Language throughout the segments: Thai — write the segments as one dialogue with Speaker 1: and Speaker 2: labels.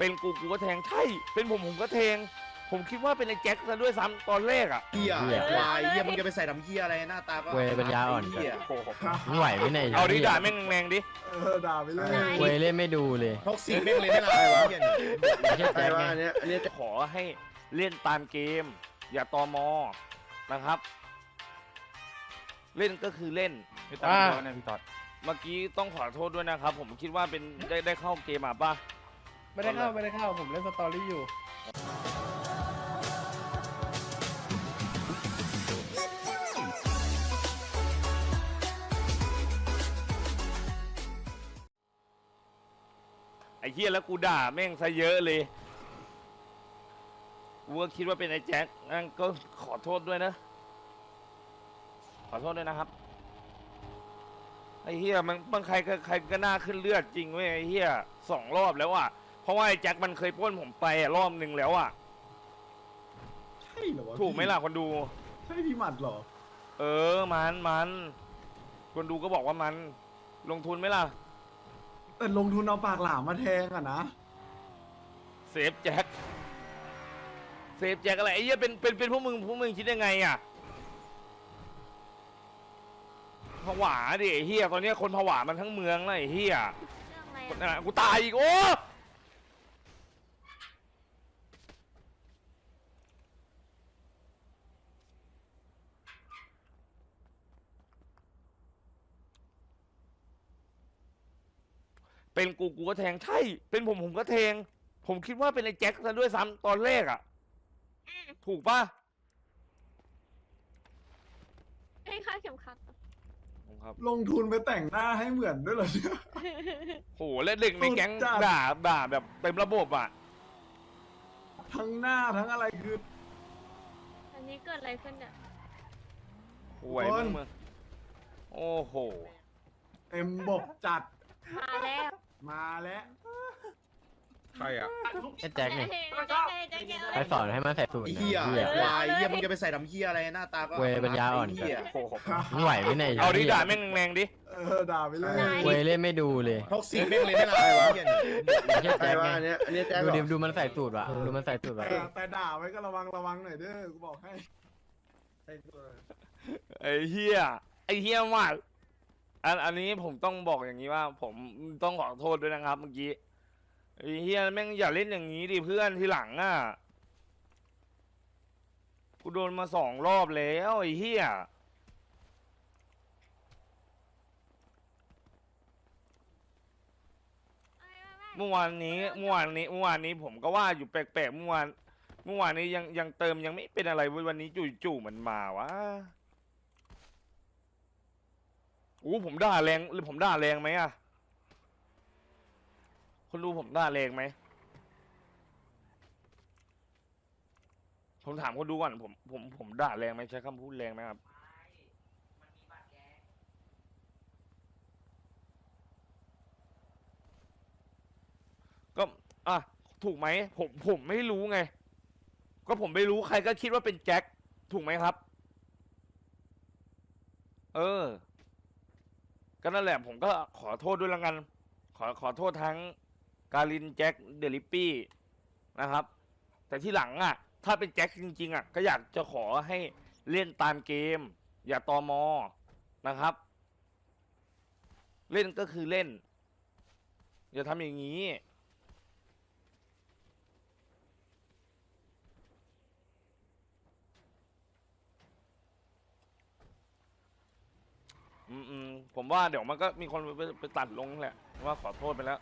Speaker 1: เป็นกูก็แทงใช่เป็นผมก็แทงผมคิดว่าเป็นไอ้แจ็คซะด้วยซ้ำตอนแรกอ่ะ
Speaker 2: เหี้ยควายเหี้ยมึงจะไปใส่ดำเหี้ยอะไรหน้าตาก็
Speaker 3: เวยปัญญาอ่อน
Speaker 2: เหี้ย
Speaker 3: ไม่ไหวไม่ไหน
Speaker 1: เอาดิด่าแม่งแรงๆดิ
Speaker 4: ด่าไปเลย
Speaker 3: เวยเล่นไม่ดูเลย
Speaker 2: ท็อกซิกแม่งเลยไม่ละวะเหี้ยเนี่ย
Speaker 3: ไม่ใช่
Speaker 4: ใคร
Speaker 3: แจ็ค
Speaker 4: ว่า
Speaker 3: ไง
Speaker 4: อันเนี้ย
Speaker 1: จะขอให้เล่นตามเกม อย่าตอมอนะครับ เล่นก็คือเล่น
Speaker 5: พี่ต๊อดโดนนะพี่ต๊อด
Speaker 1: เมื่อกี้ต้องขอโทษด้วยนะครับ ผมคิดว่าเป็นได้เข้าเกมมาป่ะ
Speaker 4: ไม่ได้เข้าผมเล่นสตอรี่อยู่
Speaker 1: ไอ้เหี้ยแล้วกูด่าแม่งซะเยอะเลยกูก็คิดว่าเป็นไอ้แจ็คงั้นก็ขอโทษด้วยนะ ขอโทษด้วยนะครับไอ้เหี้ยมันใครก็น่าขึ้นเลือดจริงเว้ยไอ้เหี้ย2 รอบแล้วอ่ะเพราะว่าไอ้แจ็คมันเคยปล้นผมไปรอบนึงแล้วอ่ะ
Speaker 4: ใช่เหรอวะ
Speaker 1: ถูกไหมล่ะคนดู
Speaker 4: ใช่พี่หมัดเหรอ
Speaker 1: เออมันคนดูก็บอกว่ามันลงทุนไหมล่ะ
Speaker 4: แต่ลงทุนเอาปากหลามมาแทงอะนะ
Speaker 1: เซฟแจ็คอะไรไอ้เหี้ยเป็นพวกมึงคิดยังไงอ่ะผวาดิไอ้เหี้ยตอนนี้คนผวามันทั้งเมืองเลยไอ้เหี้ย
Speaker 6: เรื่องอะไร
Speaker 1: กูตายอีกโอ้เป็นกูก็แทงใช่เป็นผมก็แทงผมคิดว่าเป็นไอ้แจ็คซะด้วยซ้ำตอนแรกอ่ะถูกป่ะ
Speaker 6: ให้ค่าเข็มขัด
Speaker 1: ครับ
Speaker 4: ลงทุนไปแต่งหน้าให้เหมือนด้วยเหรอเนี่ย
Speaker 1: โหแล้วเด็กในแก๊ง
Speaker 4: สุดจัด
Speaker 1: ด่าแบบเต็มระบบอ่ะ
Speaker 4: ทั้งหน้าทั้งอะไรคือ
Speaker 6: อันนี้เกิดอะไรขึ้นเนี่ย
Speaker 1: หวยมึงโอ้โห
Speaker 4: เต็มบกจัด
Speaker 6: มาแล้ว
Speaker 4: มาแล้ว
Speaker 5: ใครอ่ะ
Speaker 3: แค่แจ็คไง
Speaker 6: แจ็คไง
Speaker 3: ใครสอนให้มันใส่สูตร
Speaker 2: ไอ้
Speaker 3: นะ
Speaker 2: เหี้ย
Speaker 3: เหี้ย
Speaker 2: ควายเหี้ยมึงจะไปใส่ดำเหี้ยอะไรหน้าตาก็
Speaker 3: เวยปัญญาอ่อน
Speaker 2: เหี้ย
Speaker 3: ไม่ไหวไม่ไหน
Speaker 1: เอาดิด่าแม่งแรงๆดิ
Speaker 4: ด่าไปเลย
Speaker 3: เวยเล่นไม่ดูเลย
Speaker 2: ท็อกซิกแม่งเลยไม่ละวะเหี้ยเนี่ย
Speaker 3: ไม่ใช่
Speaker 4: ใคร
Speaker 3: แจ็ค
Speaker 4: ว่า
Speaker 3: ไง
Speaker 4: อันเนี้ยแจ็ค
Speaker 3: ดู
Speaker 4: เหร
Speaker 3: ดิ
Speaker 4: อ
Speaker 3: ดูมันใส่สูตรว่ะดูมันใส่สูตรว่ะ
Speaker 4: แต่ด่าไว้ก็ระวังหน่อยเด้อกูบอกให้
Speaker 1: ไอ้เหี้ยมากอันนี้ผมต้องบอกอย่างนี้ว่า ผมต้องขอโทษด้วยนะครับเมื่อกี้ไอ้เหี้ยแม่งอย่าเล่นอย่างนี้ดิเพื่อนทีหลังอ่ะกูโดนมา2 รอบแล้วไอ้เหี้ยเมื่อวานนี้ผมก็ว่าอยู่แปลกๆเมื่อวานนี้ยังเติมยังไม่เป็นอะไรเว้ยวันนี้จู่ๆมันมาวะอู้ผมด่าแรงไหมอะคนดูผมด่าแรงไหมผมถามคนดูก่อนผมด่าแรงไหมใช้คำพูดแรงไหมครับก็อ่ะถูกไหมผมไม่รู้ไงก็ผมไม่รู้ใครก็คิดว่าเป็นแจ็คถูกไหมครับเออก็นั่นแหละผมก็ขอโทษด้วยละกันขอโทษทั้งการินแจ็คเดลิปปี้นะครับแต่ที่หลังอ่ะถ้าเป็นแจ็คจริงๆอ่ะก็อยากจะขอให้เล่นตามเกมอย่าตอมอนะครับ เล่นก็คือเล่นอย่าทำอย่างนี้ผมว่าเดี๋ยวมันก็มีคนไปตัดลงแหละว่าขอโทษไปแล้ว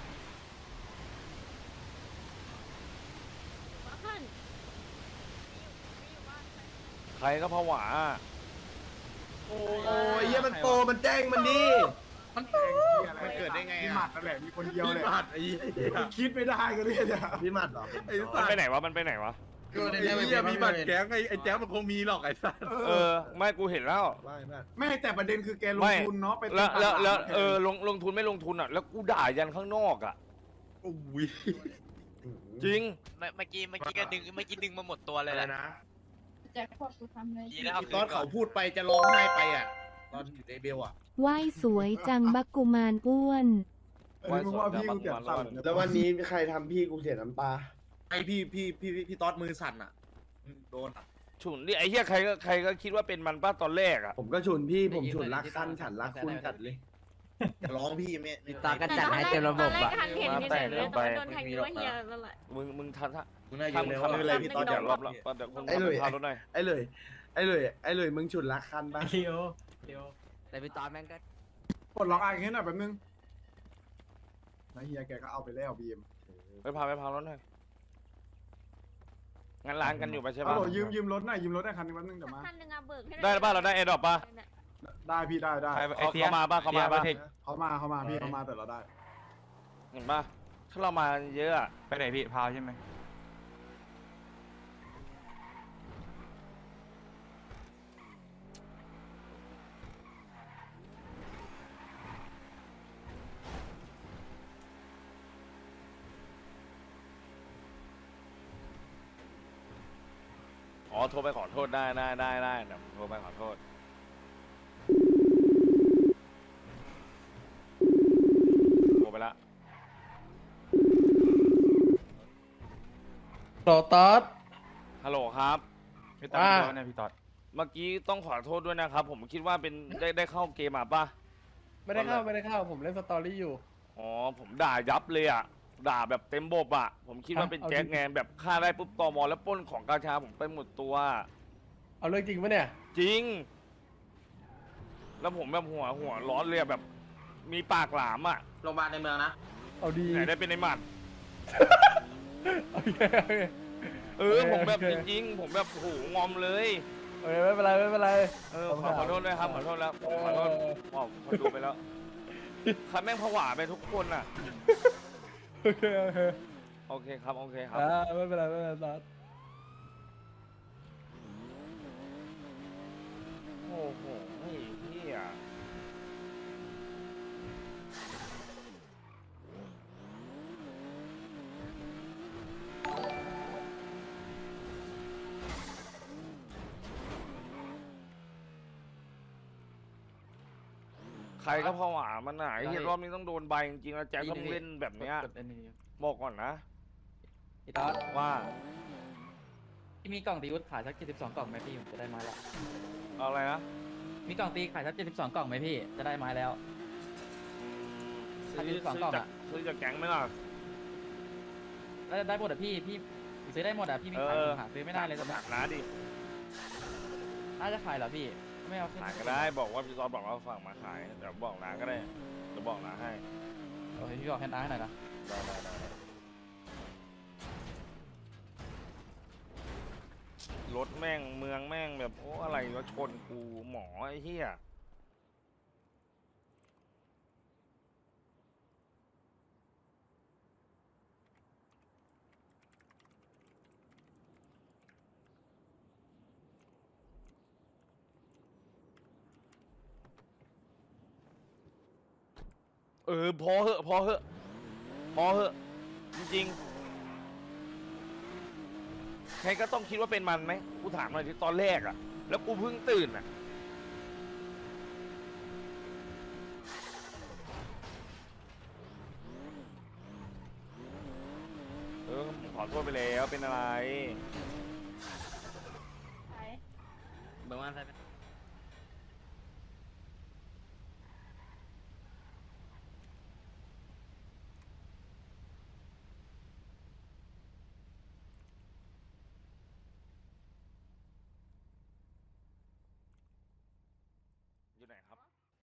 Speaker 1: ใครก็ผวา
Speaker 4: โอ้ยเหี้ยมันโตมันแจ้งมันดีมันแจ้ง
Speaker 2: มันเกิดได้ไง
Speaker 4: พี่
Speaker 2: อะ
Speaker 4: หมัดนั่นแหละมีคนเดียวเลย
Speaker 5: พี่หมัดไอ้เหี้ย
Speaker 4: คิดไม่ได้กันเลยเนี่ยพี่หมัดเหรอ
Speaker 5: ไอ้
Speaker 1: มัน
Speaker 5: สัต
Speaker 1: ไป
Speaker 5: ว์
Speaker 1: ไหนวะมันไปไหนวะ
Speaker 5: ไอ้เหี้ยมีบัตรแก๊งไอ้แจ๊คมันคงมีหรอกไอ้สัตว์
Speaker 1: เออไม่กูเห็นแล้ว
Speaker 4: ไม่แต่ประเด็นคือแกลงทุนเนาะไป
Speaker 1: แล้วลงทุนไม่ลงทุนอ่ะแล้วกูด่ายันข้างนอกอ่ะ
Speaker 5: โอ้ย
Speaker 1: จริง
Speaker 7: เมื่อกี้ก็ดึงมาหมดตัวเลยแหละ
Speaker 8: แจ็คพอตกูทำเลย
Speaker 7: ดีแล้วเอาคื
Speaker 2: ตอน
Speaker 7: นก่
Speaker 2: เขา
Speaker 7: อน
Speaker 2: พูดไปจะร้องไห้ไปอ่ะตอนอยู่ในเบลอ่ะ
Speaker 9: ไหว้สวยจังบักกุมารอ้วน
Speaker 4: มึงว่าพี่กูเสียงสั่น
Speaker 9: แล้ววันนี้ใครทำพี่กูเสียน้ำตา
Speaker 2: ไอพี่ต๊อดมือสั่นอ่ะโดนอ่ะ
Speaker 1: ฉุนดิไอ้เหี้ยใครก็คิดว่าเป็นมันป้าตอนแรกอ่ะ
Speaker 9: ผมก็ฉุนพี่ผมฉุนรักขั้นฉันรักคุณจัดเลย
Speaker 2: อย่าร้องพี่ไม่
Speaker 3: ตาก็จัดให้เต็มระบบอะ
Speaker 6: ตอนแรกทันเห็นเฉยๆเลยตอนโดนแทงนิ้วเฮียนั่นแหละ
Speaker 1: มึงทัน
Speaker 2: มึงน่าอยู่เลยว่าไม่เป็นไรพี่ต๊อด
Speaker 1: เดี๋
Speaker 2: อย่า
Speaker 1: ยว
Speaker 2: ร้
Speaker 1: ร
Speaker 2: อ
Speaker 1: อง บแล้วเดี๋ยวคน
Speaker 9: ไอ้หลุย
Speaker 1: พารถหน่อย
Speaker 9: ไอ้เลยมึงฉุนรักขั้นปะ
Speaker 3: เร็วแต่พี่ตอนแม่งก็
Speaker 4: ปลดล็อกอ่านแค่หน่อยแป๊บนึงนะเฮียแกก็เอาไปแล้วบีม
Speaker 1: ไปพารถหน่อยงั้นร้านกันอยู่ไปใช่
Speaker 4: ฮัล
Speaker 1: ปะ
Speaker 4: โหลยืมรถหน่อยยืมรถได้คันนึงแป๊บนึงเดี๋ยวมา
Speaker 6: คันหนึ่งอะเบิกให้
Speaker 1: ได้ป่ะเราได้แอร์ดรอปป่ะ
Speaker 4: ได้พี่ได้
Speaker 1: เขามาป่ะเขามาป่ะ
Speaker 4: เขามาพี่เขามาแต่เราได้
Speaker 1: เห็นป่ะถ้าเรามาเยอะอะ
Speaker 5: ไปไหนพี่พาวใช่ไหม
Speaker 1: อ๋อโทรไปขอโทษได้เดี๋ยวโทรไปขอโทษโทรไปละ
Speaker 10: โตตอส
Speaker 1: ฮัลโหลครับ
Speaker 5: พี่ตอดพี่ตอดเนี่ยพี่ตอด
Speaker 1: เมื่อกี้ต้องขอโทษด้วยนะครับ ผมคิดว่าเป็นได้เข้าเกมอ่ะป่ะ
Speaker 10: ไม่ได้เข้าผมเล่นสตอรี่อยู่
Speaker 1: อ๋อผมด่ายับเลยอ่ะด่าแบบเต็มบบอ่ะผมคิดว่าเป็น
Speaker 10: เอา
Speaker 1: แจ็ค
Speaker 10: จริง
Speaker 1: ไงแบบฆ่าได้ปุ๊บตมแล้วปล้นของกาชาผมไปหมดตัว
Speaker 10: เอาเรื่องจริงปะเนี่ย
Speaker 1: จริง แล้วผมแบบหัวร้อนเลยอะแบบ มีปากหลามอ่ะ
Speaker 7: โรงพยาบาลในเมืองนะ
Speaker 10: เอาดี
Speaker 1: ไหนได้เป็นไอหมัด
Speaker 10: โอเค
Speaker 1: ผมแบบจริงๆ ผมแบบโอ้โหงอมเลย
Speaker 10: โอเคไม่เป็นไร
Speaker 1: ขอโทษด้วยครับขอโทษแล้วขอโทษขอดูไปแล้วใครแม่งผวาไปทุกคนอ่ะ
Speaker 10: โอเค
Speaker 1: โอเคครับโอเคครับ
Speaker 10: ไม่เป็นไรตอส
Speaker 1: โอ้โหไอ้เหี้ยใครก็ผวามันหนาไอ้เหี้ยรอบนี้ต้องโดนใบจริงๆแล้วแจ็คต้องเล่นแบบเนี้ยบอกก่อนนะ
Speaker 10: พี่ตอส
Speaker 1: ว่า
Speaker 10: มีกล่องตีวุฒขายสัก72กล่องไหมพี่ผมจะได้ไม้ละ
Speaker 1: เอาอะไรนะ
Speaker 10: มีกล่องตีขายสัก72กล่องไหมพี่จะได้ไม้แล้ว
Speaker 1: ซื้อ
Speaker 10: 12กล่องอะ
Speaker 1: ซื้อจากแก๊งไหมล่ะ
Speaker 10: แล้วได้หมดอ่ะพี่ซื้อได้หมดอ่ะพี่มีขายผมหาซื้อไม่ได้เลยตอนนี้
Speaker 1: หนักนะดิ
Speaker 10: น่าจะขายเหรอพี่ไม่เอา
Speaker 1: ขายก็ได้บอกว่าพี่ซอสบอกว่าฝากมาขายเดี๋ยวบอกน้าก็ได้เดี๋ยวบอกน้าให้
Speaker 10: โอเคพี่บอกแฮนด์อาร์ให้หน่อยนะ
Speaker 1: ได้รถแม่งเมืองแม่งแบบโอ้อะไรวะชนกูหมอไอ้เหี้ยพอเหอะจริงๆใครก็ต้องคิดว่าเป็นมันไหมกูถามหน่อยที่ตอนแรกอะแล้วกูเพิ่งตื่นอะผมขอโทษไปแล้วเป็นอะไร
Speaker 6: ไป
Speaker 7: เมืองว่าอะไร